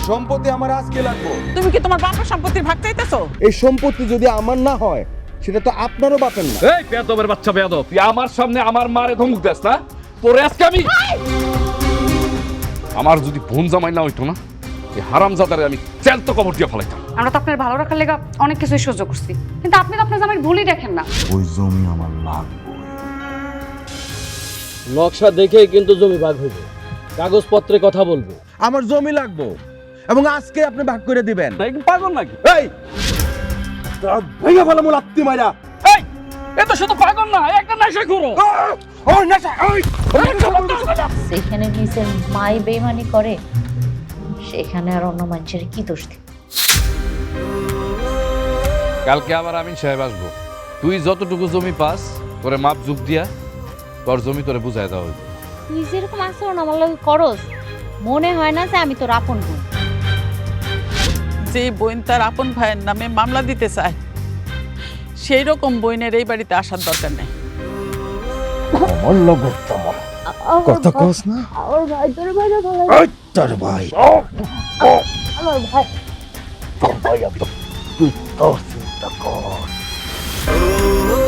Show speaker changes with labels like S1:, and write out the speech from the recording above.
S1: সম্পত্তি আমার আজকে লাগবে।
S2: তুমি কি তোমার বাপের সম্পত্তির ভাগ চাইতেছো?
S1: এই সম্পত্তি যদি আমার না হয় সেটা তো আপনারও বাপের না।
S3: এই বেয়াদবের বাচ্চা বেয়াদব, তুই আমার সামনে আমার মারে ধমক দেস না? তোরে আজকে আমি আমার যদি বোন জামাই না হইতো না, এই হারামজাদারে আমি চ্যালতো কবর দিয়ে ফেলাইতাম।
S4: আমরা তো আপনার ভালো রাখার লেগে অনেক কিছুই সহ্য করছি, কিন্তু আপনি তো আপনার জামাইয়ের ভুলই দেখেন না।
S1: ওই জমি আমার লাগবে।
S5: নকশা দেখেই কিন্তু জমি ভাগ হইবে, কাগজপত্রে কথা বলবো।
S1: আমার জমি লাগবে এবং আজকে আপনি ভাগ করে দিবেন।
S3: পাগল নাকি?
S1: এই ভেঙে ফেলা মূল আত্মি মাইরা।
S3: এই এ তো শুধু পাগল না, একটা নেশা করো।
S1: ওই নেশা, ওই
S6: সেখানে নিজের মাই বেইমানি করে, সেখানে আর অন্য মানুষের কি দোষ দিই?
S3: কালকে আবার আমিন সাহেব আসবো। তুই যতটুকু জমি পাস তোরে মাপ যুগ দিয়া তোর জমি তোরে বুঝাই দেওয়া হইবে।
S6: তুই যেরকম আচরণ আমার লগে করস, মনে হয় না যে আমি তোর আপন বোন।
S2: যে বোন তার আপন ভাইয়ের নামে মামলা দিতে চায়, সেই রকম বোনের এই বাড়িতে আসার দরকার নেই।
S1: আমার লগর তোমার কথা কস না।
S6: আমার ভাই তোর ভাই না ভালো।
S1: ওই তোর ভাই,
S6: আমার ভাই
S1: তোর ভাই তুই তোর চিন্তা কর।